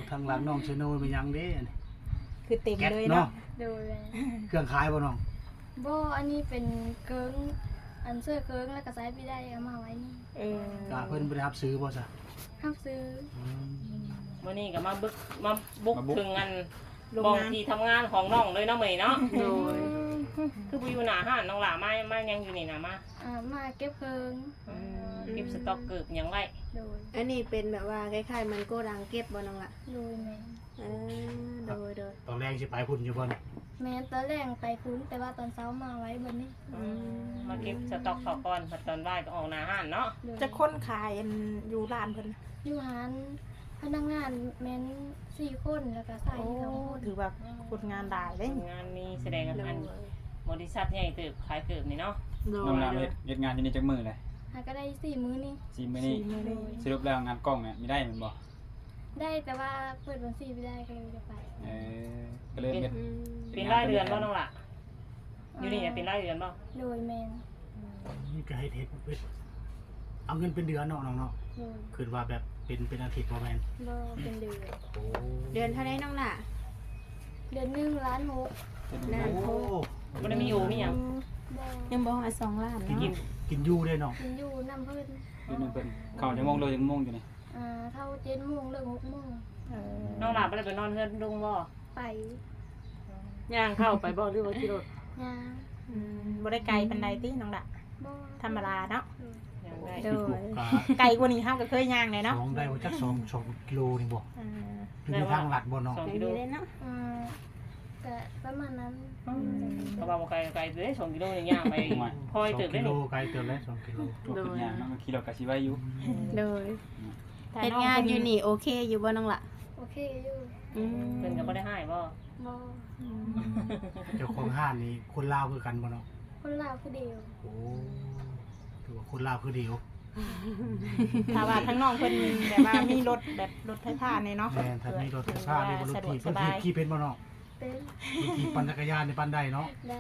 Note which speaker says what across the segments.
Speaker 1: ทางหลังน้องเชโนเป็นยังเด้อันนี้
Speaker 2: คือเต็ม
Speaker 1: แก๊ส
Speaker 2: เลย
Speaker 1: เนาะ
Speaker 2: เนาะ
Speaker 3: โดย
Speaker 1: เครื่องขายบ่น้อง
Speaker 3: บ่อันนี้เป็นเกิงอันเสื้อเกิงแล้วก็ใส่พี่ได้เอามาไว้นี่
Speaker 1: ก็เพิ่นบ่ได้รับซื้อบ่ซะ
Speaker 3: ห้ามซื้อ
Speaker 1: อืม
Speaker 4: มื้อนี้ก็มาบุกถึงอัน
Speaker 2: โรง
Speaker 4: บ่อง
Speaker 2: งาน
Speaker 4: ที่ทำงานของน้องเลยเนาะมื้อนี้เนาะ
Speaker 2: โดย
Speaker 4: คือบ่อยู่หน้าห้านน้องหล่ามายังอยู่นี่น่ะมา
Speaker 3: มาเก็บเกิง
Speaker 4: เก็บสต็อกเกิบหยังไว้
Speaker 3: โดย
Speaker 5: อันนี้เป็นแบบว่าคล้ายๆมันโกดังเก็บบ่น้องละ
Speaker 3: โดยแม่
Speaker 5: เออโดย
Speaker 1: ตอนแรกสิไปพุ่นอยู่บ่นี่
Speaker 3: แม่ตอนแรกไปคุ้นแต่ว่าตอนเช้ามาไว้บนนี้
Speaker 4: มาเก็บสต็อกเขาก่อนพอตอนบ่ายก็ออกหน้าห้านเนาะ
Speaker 3: โดย
Speaker 2: จะค้นขายอันอยู่ร้านเพิ่น
Speaker 3: อยู่หานพนักงานแม่น4 คนแล้วก็ใส่
Speaker 2: โอ้
Speaker 3: 2 คน
Speaker 2: ถือว่าคนงานได้เด้
Speaker 4: งานมีแสดงอันบริษัทใหญ่เติบขายเกิบนี่เนาะ
Speaker 6: น้องลาเฮ็ดงานอยู่นี่จักมื้อเลย
Speaker 3: หาก็ได้4 มื้อนี่
Speaker 6: 4มื้อนี้
Speaker 3: โดย
Speaker 6: สรุปแล้วงานกล้องเนี่ยมีได้แม่นบ่
Speaker 3: ได้แต่ว่าเปิดวัน4ไม่ได้ก็เลยจะไป
Speaker 6: เออก็เลยเฮ็ด
Speaker 4: เป็นรายเดือนบ่น้องล่ะอยู่นี่เป็นรายเดือนบ่
Speaker 3: โดยแม่น
Speaker 1: นี่ก็เฮ็ดเอาเงินเป็นเดือนเนาะน้องเนาะ
Speaker 3: โดย
Speaker 1: คือว่าแบบเป็นอาทิตย์บ่แม่น
Speaker 3: บ่เป็นเดือน
Speaker 1: โอ้
Speaker 5: เดือนเท่าไรน้องละ
Speaker 3: เดือนหนึงล้านหก
Speaker 5: นาน
Speaker 1: โอ้
Speaker 4: บ่ได้มีอยู่มีหยัง
Speaker 3: บ่
Speaker 2: ยังบ่มา2 ล้าน
Speaker 1: กิน
Speaker 2: เนาะ
Speaker 1: กินอยู่เด้เนาะ
Speaker 3: กินอยู่น้ำเพิ่น
Speaker 6: คือมันเป็นเข้าจังโมงเลยจังโมงอยู่นี่
Speaker 3: เท่า7 โมงเลิก6 โมง
Speaker 4: น้องล่ะบ่ได้ไปนอนเฮือนลุงบ่
Speaker 3: ไป
Speaker 4: ย่างเข้าไปบ่หรือว่าขี่รถ
Speaker 3: ยา
Speaker 2: บ่ได้ไกลปานใดติน้องละ
Speaker 3: บ่
Speaker 2: ธรรมดาเนาะ
Speaker 4: ย่างได้
Speaker 2: โดย
Speaker 1: ก็
Speaker 2: ไกลกว่านี้เฮาก็เคยย่างเลยเนาะ
Speaker 1: สองได้บ่จัก2กิโลนี่บ่
Speaker 2: อ่า
Speaker 1: อยู่ในทางลัดบ่เนาะ
Speaker 4: 2
Speaker 5: ไกล
Speaker 4: กิโล
Speaker 5: ดีเลยเนาะ
Speaker 3: ก็ประมาณนั้น
Speaker 4: เพราะว่าบ่ไกลเด้2กิโลนี่ย่างไปพอย
Speaker 1: 2
Speaker 4: เติบได้
Speaker 1: กิโล
Speaker 4: นี่
Speaker 1: ไกลเติบแล้ว2กิโล
Speaker 6: ตัวขึ้นยางเนาะมันขี่รถก็สิไว้อยู่
Speaker 5: โดย
Speaker 2: แต่
Speaker 5: เฮ็ดงานอยู่นี่โอเคอยู่บ่น้องละ
Speaker 3: โอเคอยู่
Speaker 4: เพิ่นก็บ่ได้ให้บ่
Speaker 3: บ่
Speaker 1: เจ้าของห้านนี่คนลาวคือกันบ่เนาะ
Speaker 3: คนลาวคือเดียว
Speaker 1: โอ้ถือว่าคนลาวคือเดียว
Speaker 2: ถ้าว่าทั้งน้องเพิ่นแบบว่ามีรถแบบรถไฟฟ้าเนี่ยเนาะ
Speaker 1: แม่นถ้ามีรถไฟฟ้ามีรถ
Speaker 2: สะดว
Speaker 1: ถี
Speaker 2: ก
Speaker 1: บ
Speaker 2: ส
Speaker 1: เพิ่น
Speaker 2: บาย
Speaker 1: ขี่เป็นบ่เนาะ
Speaker 3: เป็น
Speaker 1: มีขี่ปั่นจักรยานในปั่นได้เนาะ
Speaker 3: ได้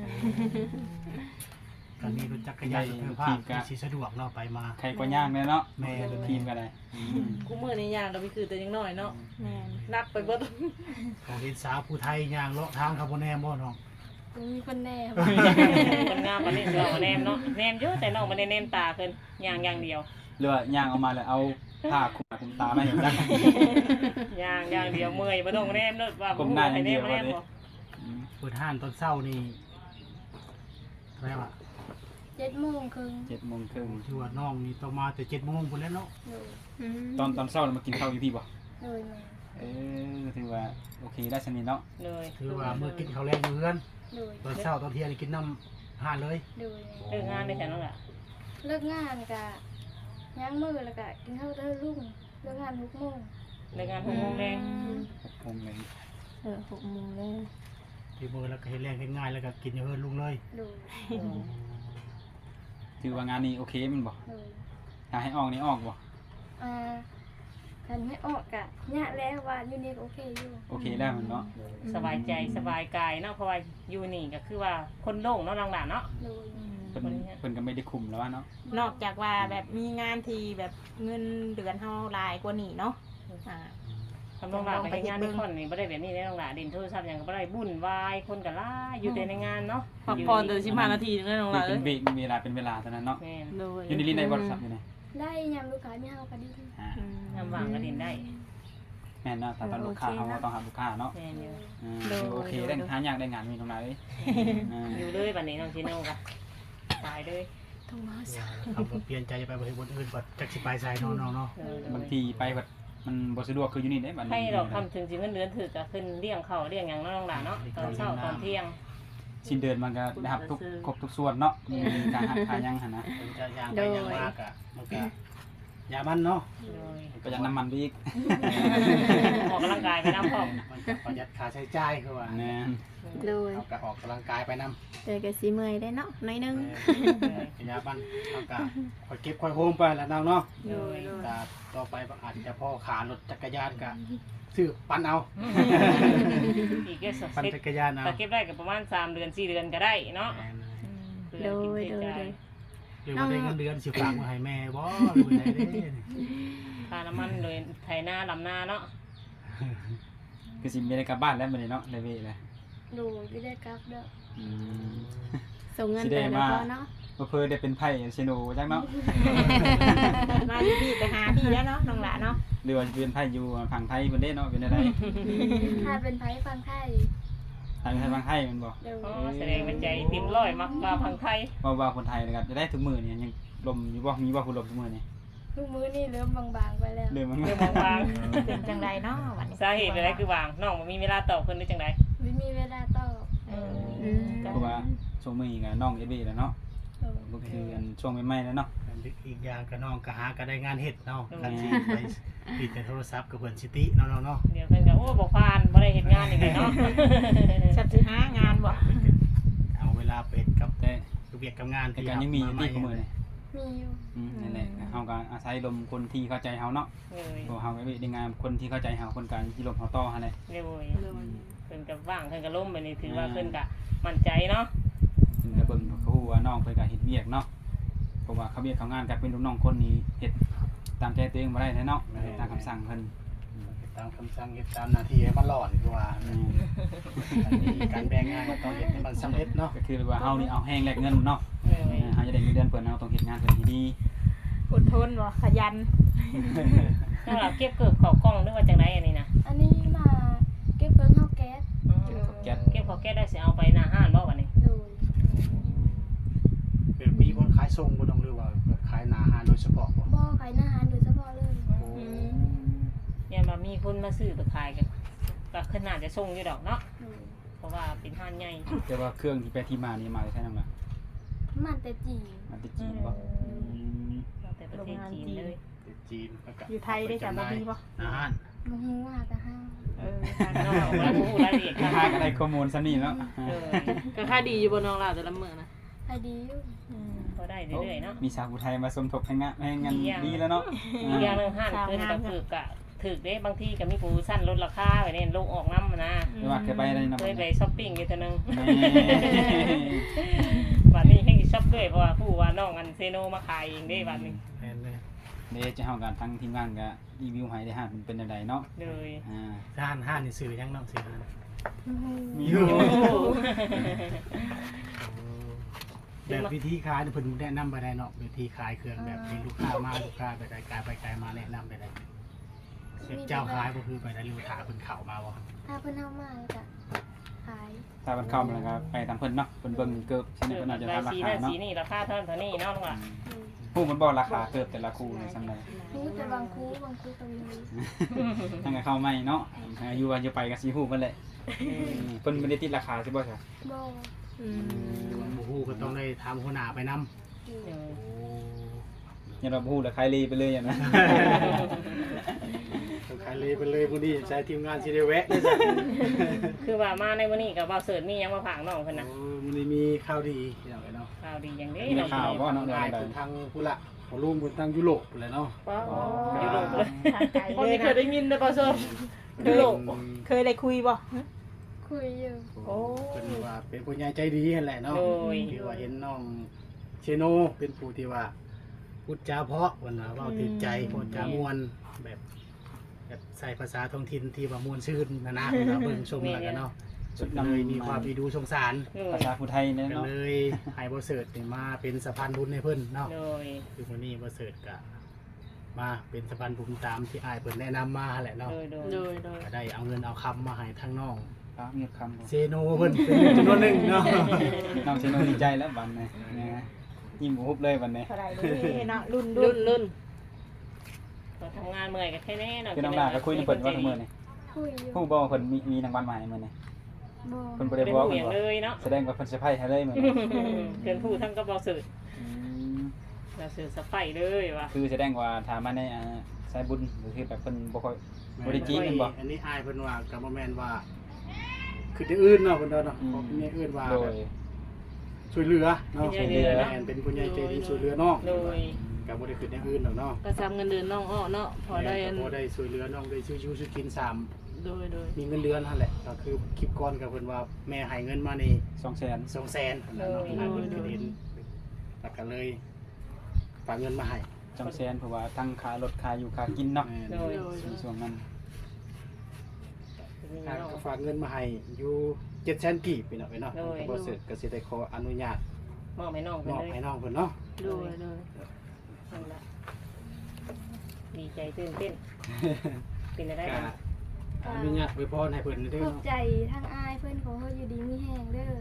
Speaker 1: ก็มีรถจักรยานรถไฟฟ้าที่สิสะดวกเนาะไปมา
Speaker 6: ใครก็ย่างเลยเนาะ
Speaker 1: แม่น
Speaker 6: ทีมก็ได้
Speaker 4: กูมื้อนี้ย่างเราไปคือแต่ยังน้อยเนาะ
Speaker 2: แม่น
Speaker 4: นับไปเบิด
Speaker 1: ของเห็นสาวผู้ไทยย่างเลาะทางเขาบ่แน่บ่เนาะ
Speaker 3: มีคนแน่
Speaker 4: คนงามปานนี้เราแนมเนาะแนมเยอะแต่น้องบ่ได้แนมตาเพิ่นย่างอย่างเดียว
Speaker 6: หรือว่าย่างออกมาแล้วเอาผ้าคลุมตามาให้จัก
Speaker 4: อย่างเดียวเมื่อยบ่ต้องแนมเนาะว่า
Speaker 6: ก้มหน้าอย่างเดียว
Speaker 4: แนมบ่
Speaker 1: เปิดห้านตอนเช้านี่เท่าไหร่วะ
Speaker 3: 7 โมงครึ่ง
Speaker 6: 7:30น
Speaker 1: ชื่อว่าน้องนี่ต้องมาแต่7 โมงพุ่นแล้วเนาะ
Speaker 3: โดย
Speaker 6: ตอนเช้าเรามากินข้าวอยู่พี่บ่
Speaker 3: โดยแม่
Speaker 6: ถือว่าโอเคได้สนิทเนาะ
Speaker 4: เลย
Speaker 1: คือว่ามื้อกินข้าวแรงอยู่เฮือน
Speaker 3: โดย
Speaker 1: ตอนเช้าตอนเที่ยงนี่กินน้ำห้านเลย
Speaker 3: โดย
Speaker 4: เลิกงานได้แต่นั่นแหละ
Speaker 3: เลิกงานก็ย่างมือแล้วก็กินข้าวเด้อลุงเลิกงาน6 โมง
Speaker 4: เลิกงาน6 โมงแรง
Speaker 6: 6 โมงเลย
Speaker 2: 6 โมงเลย
Speaker 1: ที่มื้อแล้วก็เฮ็ดแรงเฮ็ดง่ายแล้วก็กินอยู่เฮือนลุงเลย
Speaker 3: โดย
Speaker 6: ถือว่างานนี้โอเคมันบ่
Speaker 3: โดย
Speaker 6: ถ้าให้ออกนี่ออกบ่
Speaker 3: คันให้ออกกะยะแล้วว่าอยู่นี่ก็โอเคอยู่
Speaker 6: โอเคแล้วมันเนาะ
Speaker 4: สบายใจสบายกายเนาะเพราะว่าอยู่นี่ก็คือว่าคนโล่งเนาะหลังๆเนาะ
Speaker 3: โดย
Speaker 6: เพิ่นก็ไม่ได้คุมแล้วเนาะ
Speaker 2: นอกจากว่าแบบมีงานที่แบบเงินเดือนเฮาหลายกว่านี้เนาะอ่า
Speaker 4: ทำน้องหลานไปเฮ็ดงานในคอนนี่บ่ได้แบบนี้ได้น้องหลานเด่นโทรศัพท์หยังก็บ่ได้บุ่นวายคนก็หลายอยู่แต่ในงานเนาะ
Speaker 7: พักผ่อนเดือน15 นาทีนึงได้น้องหลาน
Speaker 6: เป็
Speaker 7: เอ้
Speaker 6: น
Speaker 7: ย
Speaker 6: เวลาเท่านั้นเนาะ
Speaker 4: แม่น
Speaker 7: โดย
Speaker 6: อยู่ในลิ้นในบริษัทอยู่ไหน
Speaker 3: ได้ยามลูกค้ามีเฮาก็ดี
Speaker 4: ยามว่างก็เด่นได้
Speaker 6: แม่นเนาะตอนลูกค้าเขาก็ต้องหาลูกค้าเนาะ
Speaker 4: แม่นอยู่
Speaker 6: โอเคได้หาอยากได้งานมีตรงไหน
Speaker 4: อยู่เลยบัดนี้น้องชิโน่ก็ตายเลย
Speaker 1: เอาบ่เปลี่ยนใจจะไปบ่เฮ็ดบ่อื่นบ่จักสิไปไสเนาะน้องเนาะ
Speaker 6: บางทีไปแบบมันบ่สะดวกคืออยู่นี่ได้บัดนี้
Speaker 4: ให้เราทำถึงสิเงินเดือนถือก็ขึ้นเลี้ยงข้าวเลี้ยงหยังเนาะน้องหลานเนาะตอนเช้าตอนเที่ยง
Speaker 6: สิ้นเดือนมันก็ได้รับทุกครบทุกส่วนเนาะมีการหักค่ายังหั่นนะ
Speaker 1: เพิ่นจะย่างไปย่างมากอะมันก็ยามันเนาะ
Speaker 6: ก็ยังน้ำมันไปอีก
Speaker 4: ออกกำลังกายไปน้ำพร้อม
Speaker 1: มันก็ประหยัดค่าใช้จ่ายคือว่า
Speaker 6: แน่น
Speaker 5: โดย
Speaker 1: เอาก็ออกกำลังกายไปนำ
Speaker 5: แต่ก็สิเมื่อยได้เนาะหน้อยนึง
Speaker 1: ยามันเอาก็ค่อยเก็บค่อยโฮมไปแล้วน้องเนาะ
Speaker 4: โดย
Speaker 1: ก็ต่อไปอาจจะพอขารถจักรยานก็ซื้อปั่นเอา
Speaker 4: อีกแค่สัก
Speaker 1: ปั่น
Speaker 4: เซ็ต
Speaker 1: จักรยานเอา
Speaker 4: แต่เก็บได้ก็ประมาณ3 เดือน 4 เดือนก็ได้เนาะ
Speaker 5: โดยโดย
Speaker 1: หรือว่าได้เงินเดือนสิฝากมาให้แม่บ่หรือว่าได้เด้
Speaker 4: ค่าน้ำมันโดยไถนาลำนาเนาะ
Speaker 6: คือสิไม่ได้กลับบ้านแล้วมื้อนี้เนาะได้เวแล้ว
Speaker 3: ดูไม่ได้กลับเด้อ
Speaker 6: อืม
Speaker 5: ส่งเงินไปแล้วพอเนาะ
Speaker 6: เพิ่นได้เป็นไพ่เชโนจักเนาะ
Speaker 2: มาอยู่พี่ไปหาพี่แล้วเนาะน้องหลาเนาะ
Speaker 6: หรือว่าจะเป็นไพ่อยู่ฝั่งไทยเพิ่นเด้เนาะเป็นอะไร
Speaker 3: ถ้าเป็นไผฟังไทย
Speaker 6: ทางไทยฝั่งไทยแมันบ่
Speaker 3: เดี๋ยว
Speaker 4: อ๋อแสดงเป็นใจเต็มร้อยมักมาพังไทย
Speaker 6: ว่าคนไทยนะครับจะได้ทุกมื้อนี่ยังลมอยู่บ่มีบ่ผู้ลมทุกมื้อนี่
Speaker 3: ทุกมื้อนี่เริ่มบางๆไปแล้ว
Speaker 6: เรื่องมัน
Speaker 4: เรื่องบาง
Speaker 2: เป็นจังไดเนาะวันนี้
Speaker 4: ๆสาเหตุอะไรคือวางน้องบ่มีเวลาตอบเพิ่นหรือจังได
Speaker 3: ไม่มีเวลาตอบ
Speaker 6: เพราะว่าช่วงมื้อนี้ก็น้องเอบี้แล้วเนาะ
Speaker 3: เออ
Speaker 6: ก็คืออันช่วงใหม่ๆแล้วเนาะ
Speaker 1: อีกอย่างก็น้องก็หาก็ได้งานเฮ็ดเนาะกันสิไปปิดแต่โทรศัพท์กับเพิ่นสิติเนาะเนาะ
Speaker 4: เดี๋ยวเพิ่นก็โอ้บ่ผ่านบ่ได้เฮ็ดงานอีกเลยเนาะ
Speaker 2: ชับสิหางานบ่
Speaker 1: เอาเวลาไปเฮ็ดกับ
Speaker 6: แต่
Speaker 1: คือเวียกกับงาน
Speaker 6: แต่การยังมีอยู่ที่ของมื้อนี่
Speaker 3: มีอยู่
Speaker 6: นั่นแหละเฮาก็อาศัยลมคนที่เข้าใจเฮาเนาะ
Speaker 4: เลย
Speaker 6: เพราะเฮาก็ได้งานคนที่เข้าใจเฮาคนกลางที่ลมเฮาต่อหั่นแหละ
Speaker 4: เลยเพิ่นก็ว่างเพิ่นก็ล้มไปนี่ถือว่าเพิ่นก็มั่นใจเนาะ
Speaker 6: เพิ่นก็เบิ่งเขาฮู้ว่าน้องเพิ่นก็เฮ็ดเวียกเนาะเพราะว่าเขาเวียกเขางานก็เป็นลูกน้องคนนี้เฮ็ดตามใจตัวเองบ่ได้แน่เนาะตามคำสั่งเพิ่น
Speaker 1: ตามคำสั่งเฮ็ดตามหน้าที่ให้มันรอดคือว่าอันนี้การแบ่งงานก็ต้องเฮ็ดให้มันสำเร็จเนาะ
Speaker 6: ก็คือว่าเฮานี่เอาแห้งแลกเงินเนาะ
Speaker 4: เลย
Speaker 6: เฮาจะได้เงินเดือนเพิ่นเฮาต้องเฮ็ดงานเพิ่นให้ดี
Speaker 2: อดทนบ่ขยัน
Speaker 4: ถ้าเราเก็บเกือบเข้ากล้องหรือว่าจังไดอันนี้นะ
Speaker 3: อันนี้มาเก็บเพิ่งเข้าแก๊ส
Speaker 6: แก๊ส
Speaker 4: เก็บเขาแก้ได้สิเอาไปหน้าห้านบ่บัดนี้
Speaker 3: ดู
Speaker 1: แบบมีคนขายส่งบ่ต้องหรือว่าขายหน้าอาหารโดยเฉพาะบ่
Speaker 3: บ่อขายอาหารโดยเฉพาะเลย
Speaker 4: เนี่ยมามีคนมาซื้อไปขายก็ขนาดจะส่งอยู่ดอกเนาะ
Speaker 3: ดู
Speaker 4: เพราะว่าเป็นห้านใหญ่
Speaker 6: แต่ว่าเครื่องที่ไปที่มานี่มาได้ใช่นำล่ะ
Speaker 3: มันแต่จีน
Speaker 6: มาที่จีนบ่
Speaker 4: มาแต่ประเทศจีนเลย
Speaker 1: จีนแล้วก็
Speaker 2: อยู่ไทยได้จ้ะบ่มีบ่
Speaker 1: อาหาร
Speaker 3: บ่ฮู้ว่าแต่ห้า
Speaker 2: ทาง
Speaker 4: น้
Speaker 2: น
Speaker 4: อ
Speaker 2: อง ก
Speaker 4: เราบ่ฮู้รายละเอียด
Speaker 6: ค่าก็ได้ข้อมูลซะนี่เนาะ
Speaker 7: ก็ค่าดีอยู่บนน้องหลาแต่ละมื้อนะ
Speaker 3: ขายดีอยู่
Speaker 4: ก็ได้เรื่อยๆเนาะ
Speaker 6: มีสาวผู้ไทยมาสมทบให้งานให้งานดีแล้วเนาะ
Speaker 4: อีกอย่างหนึงห้านเพิ่นก็คือกะถึกเด้บางทีก็มีโปรโมชั่นลดราคาไว้เนี่ยลงออกน้ำนะ
Speaker 6: ไม่ว่าเคยไปได้นำ
Speaker 4: เคยไปช้อปปิ้งอยู่เทื่อนึงบัดนี้ให้ช็อปด้วยเพราะว่าผู้ว่าน้องอันเซโนมาขายเองเด้บัดนี้
Speaker 1: แม่นเลย
Speaker 6: เดี๋ยวจะเฮากันทั้งทีมงานก็รีวิวให้ได้ฮะมันเป็นจังไดเนาะ
Speaker 4: เลย
Speaker 1: ห้านนี่ซื้อยังเนาะซื้อ
Speaker 6: มีอยู่
Speaker 1: แบบวิธีขายเพิ่นแนะนำไปได้เนาะวิธีขายเครื่องแบบเป็นลูกค้ามาลูกค้าไปไกลไปไกลมาแนะนำไปได้เจ้าขายก็คือไปได้ลูกค้าเพิ่นเข้ามาบ่
Speaker 3: ถ้าเพิ่นเอามาแล้วก็ขาย
Speaker 6: ถ้ามันเข้ามาแล้วก็ไปตามเพิ่นเนาะเพิ่นเบิ่งเกิบใช่ไหม
Speaker 4: คือ
Speaker 6: เพิ่นอาจจะ
Speaker 4: ราย
Speaker 6: ทำรา
Speaker 4: สี
Speaker 6: คา
Speaker 4: นั่น
Speaker 6: เนาะ
Speaker 4: สีนี่ราคาเท่านั้นเท่านี้เนาะลุงอ่ะ
Speaker 6: ผู้มันบอกราคาเกิบแต่ละคู่นี่ซั่นใด
Speaker 3: รู้แต่บางคู่ก็มี
Speaker 6: ทั้งก็เข้าใหม่เนาะอายุว่าจะไปก็สิฮู้เพิ่นแหละเพิ่นบ่ได้ติดราคาใช่บ่จ้ะ
Speaker 3: บ่
Speaker 1: บ่ฮู้ก็ต้องได้ถามหัวหน้าไปนำ
Speaker 4: เออ
Speaker 6: อย่าเราฮู้แล้วขายลีไปเลยอย่างนั้น
Speaker 1: ขายเลยไปเลยพอดีใช้ทีมงานสิได้แวะเลยจ้ะ
Speaker 4: คือว่ามาในวันนี้กับว่าเสิร์ตมียังมาผางน้องเพิ่นน่ะ
Speaker 1: มันมีข่าวดีอย่างไรเนาะ
Speaker 4: ข่าวดีอย่างนี้
Speaker 6: มี
Speaker 4: น้อง
Speaker 6: ข่าวบ่
Speaker 4: เพิ่น
Speaker 6: เนาะ
Speaker 1: ได้ทางผู้ละของลุงบนทางยุโรปเลยเนาะ
Speaker 4: อยู่ลงเลย
Speaker 2: ทางไกล
Speaker 7: คน
Speaker 2: เลย
Speaker 7: ที่เคย
Speaker 2: นะ
Speaker 7: ได้ยินได้ป่ะส้ม
Speaker 2: ยุโรปเคยได้คุยบ่
Speaker 3: คุยอยู่
Speaker 1: โอ้เป็นว่าเป็นผู้ใหญ่ใจดีนั่นแหละเนาะ
Speaker 4: โดย
Speaker 1: ที่ว่าเห็นน้องเชโนเป็นผู้ที่ว่าพูดจาเพราะวันน่ะเว้าถึงใจพูดจามวนแบบใส่ภาษาท้องถิ่นที่ว่ามวนชื่นนะเวลาเบิ่งชมแล้วกันเนาะเลยมีความมีดูสงสาร
Speaker 6: ภาษาผู้ไทยเนี่ย
Speaker 1: ก็
Speaker 6: เนาะ
Speaker 1: เลยให้บ่เสิร์ตนี่มาเป็นสะพานบุญให้เพิ่นเนาะ
Speaker 4: โดย
Speaker 1: คือวันนี้บ่เสิร์ตก็มาเป็นสะพานบุญตามที่อ้ายเพิ่นแนะนำมาแหละเนาะ
Speaker 4: โดย
Speaker 7: โดยโดย
Speaker 1: ก็ได้เอาเงินเอาคำมาให้ทั้งน้อง
Speaker 6: ฟ้าเงียบคำ
Speaker 1: เซโนเพิ่นเป็นจำนวนหนึงเนาะ
Speaker 6: น้องเชโนดีใจแล้วบัดนี้นะยิ้มหุบเลยบัดนี้
Speaker 2: เท่าไหร่เลยเนาะรุ่น
Speaker 7: รุ่น
Speaker 4: ก็ทำงานเมื่อยก็แค่นี้เนาะ
Speaker 6: คือน้องดาก็คุยกับเพิ่นว่าทั้งมื้อนี่
Speaker 3: คุยอยู่
Speaker 6: ผู้บ่ว่าเพิ่นมีรางวัลมาให้มื้อนี่
Speaker 3: บ่
Speaker 6: เพิ่นบ่
Speaker 4: บ่
Speaker 6: ได้
Speaker 4: ได้
Speaker 6: บอก
Speaker 4: เป
Speaker 6: เพิ่
Speaker 4: ลี่ย
Speaker 6: น
Speaker 4: น
Speaker 6: ว่า
Speaker 4: เลยเนาะ
Speaker 6: แสดงว่าเพิ่นเซอร์ไพรส์ให้เลยมื้อนี้
Speaker 4: เกินผู้ทั้งก็บ่สื่อเราสื่อสไปเลยว่ะ
Speaker 6: คือแสดงว่าถามมาในสายบุญก็คือแบบเพิ่นบ่ค่อยบ่ได้จีนแม่นบ่
Speaker 1: อันนี้อ้ายเพิ่นว่าก็บ่แม่นว่า คือที่อื่นเนาะเพิ่นเนาะของที่อื่นว่า
Speaker 6: โด
Speaker 1: แบ
Speaker 6: ย
Speaker 1: บช่วยเหลือเนาะ
Speaker 4: ช่วยเหลือ
Speaker 1: แม่นเป็นผู้ใหญ่ใจดีช่วยเหลือน้อง
Speaker 4: โดย
Speaker 1: ก็บ่ได้คืออย่างอื่นหรอกเนาะ
Speaker 7: ก็ซ้ำเงินเดือนน้องอ้อเนาะพอได้อัน
Speaker 1: พอได้ช่วยเหลือน้องได้ซื้อชูซื้อกิน3
Speaker 7: โดย
Speaker 1: มีเงินเดือนนั่นแหละก็คือคลิปก่อนก็เพิ่นว่าแม่ให้เงินมานี่
Speaker 6: 200,000
Speaker 1: 200,000แล้วเนาะอ้ายเพิ่นคือเห็นแล้วก็เลยฝากเงินมาให้
Speaker 6: 200,000เพราะว่าทั้งค่ารถค่าอยู่ค่ากินเนาะ
Speaker 1: แม่น
Speaker 4: โดย
Speaker 6: ช่วงนั้น
Speaker 4: นี่
Speaker 1: ทาง
Speaker 4: เนาะ
Speaker 1: ก็ฝากเงินมาให้อยู่700,000กีบพี่น้องเนาะ
Speaker 4: โดย
Speaker 1: ก็บ่เสร็จก็สิได้ขออนุญาต
Speaker 4: มอบให้น้อง
Speaker 1: ม
Speaker 4: เพิ่น
Speaker 1: อบ
Speaker 4: เลย
Speaker 1: ให้น้องเพิ่นเนาะ
Speaker 7: โดยโดย
Speaker 4: นั่นล่ะดีใจตื่นเต้นเป็นอะไร
Speaker 1: ก็
Speaker 4: กัน
Speaker 1: อนุญาตอวยพรให้เพิ่นเด้อ
Speaker 3: ขอบ
Speaker 1: เนาะ
Speaker 3: ใจทางอายเพื่อนของเขาอยู่ดีมีแห้งเด้อ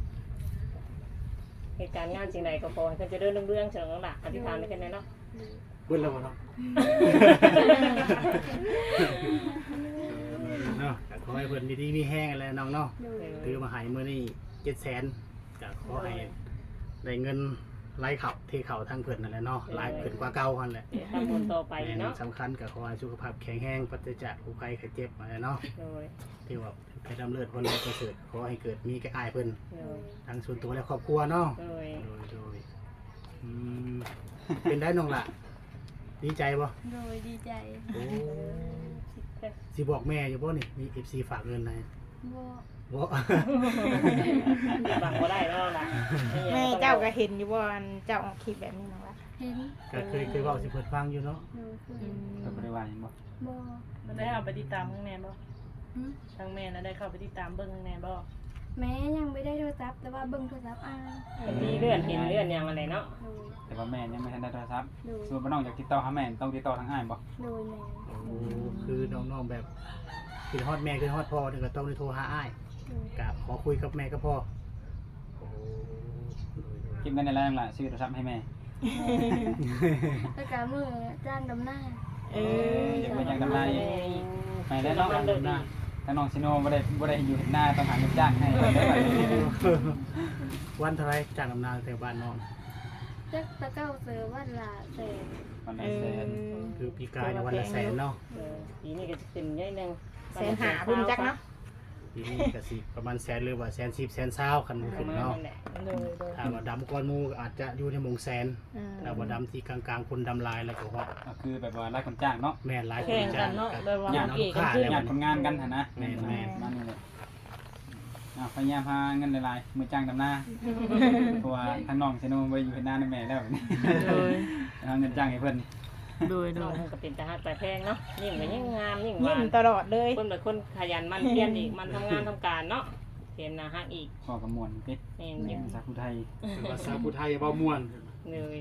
Speaker 4: เหตุการณ์งานสิ่งใดก็ขอให้เพิ่นเจะเดินเรื่องๆเฉลิมหลักอธิษฐานด้วยกันเนาะ
Speaker 1: เบิ่นแล้วบ่เนาะเนาะก็ขอให้เพิ่นดีๆมีแห้งแล้วน้องเนาะ
Speaker 3: โดย
Speaker 1: ถือมาให้มื้อนี้700,000ก็ขอให้ได้เงินไหลเข้าเทเข้าทางเพิ่นนั่นแหละเนาะหลายขึ้นกว่าเก่าหั่นแหละ
Speaker 4: เดี๋ยวทำบุญต่อไปเนาะ
Speaker 1: สำคัญก็ขอให้สุขภาพแข็งแรงปราศจากโรคภัยไข้เจ็บอะไรเนาะ
Speaker 4: โดย
Speaker 1: ที่ว่าไปดำเนินคนเราประเสริฐขอให้เกิดมีแก่อายเพิ่น
Speaker 4: โดย
Speaker 1: ทั้งส่วนตัวและครอบครัวเนาะ
Speaker 4: โดย
Speaker 1: โดยอืมเป็นได้น้องล่ะ ดีใจบ่
Speaker 3: โดยดีใจ
Speaker 1: โอ้สิบอกแม่อยู่บ่นี่มี FC ฝากเงินให้
Speaker 3: บ่
Speaker 1: บ่
Speaker 4: บังบ่ได้แล้วล่ะ
Speaker 2: แม่เจ้าก็เห็นอยู่ว่าอันเจ้าออกคลิปแบบนี้น้องละ
Speaker 3: เห็น
Speaker 1: ก็เคยเว้าสิเพิ่นฟังอยู่เนาะ
Speaker 3: โดยคือ
Speaker 6: ก็บ่ได้ว่าหยังบ่
Speaker 3: บ่
Speaker 7: มันได้เข้าไปติดตามข้างในบ่
Speaker 3: หึ
Speaker 7: ทางแม่น่ะได้เข้าไปติดตามเบิ่งข้างในบ่
Speaker 3: แม้ยังไม่ได้โทรศัพท์แต่ว่าเบิ่งโทรศัพท์อาย
Speaker 4: มีเลื่อนเห็นเลื่อนอย่างอะไรเนาะ
Speaker 3: โดย
Speaker 6: แต่ว่าแม่ยังไม่ทันได้โทรศัพท์
Speaker 3: โดย
Speaker 6: สมมุติว่าน้องอยากติดต่อหาแม่ต้องติดต่อทางอ้ายบ่
Speaker 3: โดยแม่
Speaker 1: โอ้คือน้องๆแบบคือฮอดแม่คือฮอดพ่อนี่ก็ต้องได้โทรหาอ้าย
Speaker 3: โดย
Speaker 1: ก็ขอคุยกับแม่กับพ่อโอ้
Speaker 6: เก็บเงินในแล้วนั่นล่ะซื้อโทรศัพท์ให้แม่
Speaker 3: แล้วก็มือจ้างดำหน้า
Speaker 2: เออ
Speaker 6: เก็บเงินอย่างกำไรไปแล้วเนาะ
Speaker 4: มันเดินดี
Speaker 6: ถ้าน้องซิโนบ่ได้อยู่เห็นหน้าต้องหาเงินจ้างให้ได้บัดนี้
Speaker 1: วันเท่าไรจากอำนาจแต่บ้านน้อง
Speaker 3: จักตะเก้าเสือวันละแสน
Speaker 6: วันละ
Speaker 2: เอ
Speaker 6: แส
Speaker 2: อน
Speaker 1: คือปีกายในยวันละแสนเนาะ
Speaker 4: ปีนี้ก็จะขึ้นย่อยหนึ่ง
Speaker 2: แสนหาบุญจักเนาะ
Speaker 1: ปีนี้ก็สิประมาณแสนหรือว่า110แสนเศร้าคัน
Speaker 4: ประ
Speaker 1: ขึ้น
Speaker 4: มาณ
Speaker 1: เนาะ
Speaker 4: นั่นแหละ
Speaker 2: โดยโดย
Speaker 1: ถ้าว่าดำก้อนหมูก็อาจจะอยู่ในหมงแสน
Speaker 2: อ่า
Speaker 1: ถ้าว่าดำที่กลางๆคนดำลายแล้วก็ว่า
Speaker 6: ก็คือแบบว่าไล่คนจ้างเนาะ
Speaker 1: แม่นหลายค
Speaker 7: แข่
Speaker 1: น
Speaker 7: ง
Speaker 1: จ้า
Speaker 7: กัน
Speaker 1: ง
Speaker 7: เนาะ
Speaker 1: กับ
Speaker 7: แบบว่า
Speaker 1: ญาติ
Speaker 7: เก่ง
Speaker 1: ลูก
Speaker 7: กัน
Speaker 1: ค้า
Speaker 7: ขึ้น
Speaker 1: แล้ว
Speaker 6: งานคนงานกันหั่นนะ
Speaker 1: แม่น
Speaker 6: มานี่แหละพยายามหาเงินหลายๆมือจ้างดำหน้าเพราะว่าทางน้องซิโนบ่ได้อยู่เห็นหน้าในแม่แล้วนี่
Speaker 7: โดย
Speaker 6: หาเงินจ้างให้เพิ่น
Speaker 7: โดยโด
Speaker 4: น้อง
Speaker 7: ย
Speaker 4: มันก็เป็นตาหักตาแพงเนาะยิ่งก็ยิ่งงามยิ่งห
Speaker 2: ยิ้
Speaker 4: วาม น
Speaker 2: ตลอดเลย
Speaker 4: คนแบบคนขยันมันเพียรอีกมันทำงานทำการเนาะเห็นนะฮักอีก
Speaker 6: พ่อกับม่วนติ
Speaker 4: เห็น
Speaker 6: อ
Speaker 4: อยู่
Speaker 6: ภาษาผู้ไทย
Speaker 1: คือภาษาผู้ไทยเว้าม่วน
Speaker 4: เลย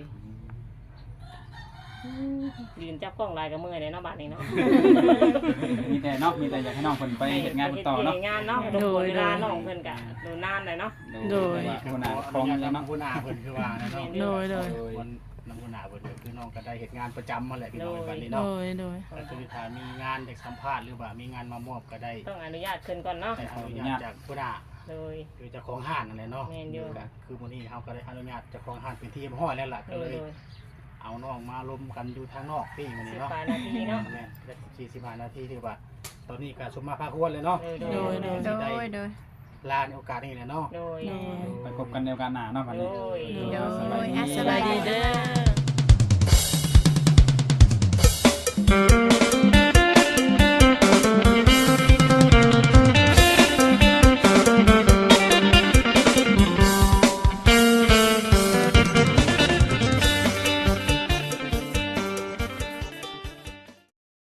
Speaker 4: ยืนจับกล้องลายกับมือเลยเนาะบาดนี้เนาะ
Speaker 6: มีแต่เนาะมีแต่อยากให้น้องเพิ่นไปเฮ็ดงานต่อเนาะ
Speaker 4: ฮ็ดงานเนาะโดยเวลาน้องเพิ่นก็ดูนานเลยเนาะ
Speaker 6: โดยคนหน้าของยังเนาะ
Speaker 1: ผู้หน้าเพิ่นคือว่านะเนาะ
Speaker 7: โดยโดย
Speaker 1: วันน้ำผู้หน้าเพิ่นก็คือน้องก็ได้เฮ็ดงานประจำมาแหละพี่น้อง
Speaker 4: โดย
Speaker 1: บัดนี้
Speaker 7: โด
Speaker 1: เนาะ
Speaker 7: ยโดย
Speaker 1: ก็คือถ้ามีงานจากสัมภาษณ์หรือว่ามีงานมามอบก็ได้
Speaker 4: ต้องอนุญาตขึ้นก่อนเนาะ
Speaker 1: ได้อนุญาตจากผู้หน้า
Speaker 4: โดย
Speaker 1: คือเจ้าของห้างนั่นแหละเนาะ
Speaker 4: แม่นอยู่
Speaker 1: ก็คือมื้อนี้เฮาก็ได้อนุญาตเจ้าของห้างเป็นที่เรียบร้อยแล้วล่ะก็
Speaker 4: โด
Speaker 1: เลย ย
Speaker 4: โดย
Speaker 1: เอาน้องมาลมกันอยู่ทางนอกพี่มื้อนี้เนาะ
Speaker 4: 15นาทีเนาะ
Speaker 1: แม่นได้45นาทีที่ว่า ตอนนี้ก็สมมาพาควรเลยเนาะ
Speaker 4: โดย
Speaker 7: โดย
Speaker 1: สิ
Speaker 5: โด
Speaker 1: ได้
Speaker 5: ยโดย
Speaker 1: ลาในโอกาสนี้แหละเนาะ
Speaker 4: โดย
Speaker 7: โดย
Speaker 6: ไปพบกันในโอกาสหน้าเนาะบัดนี้
Speaker 4: โดย
Speaker 5: โดย
Speaker 6: สบายดี
Speaker 5: สบายดีเด้อ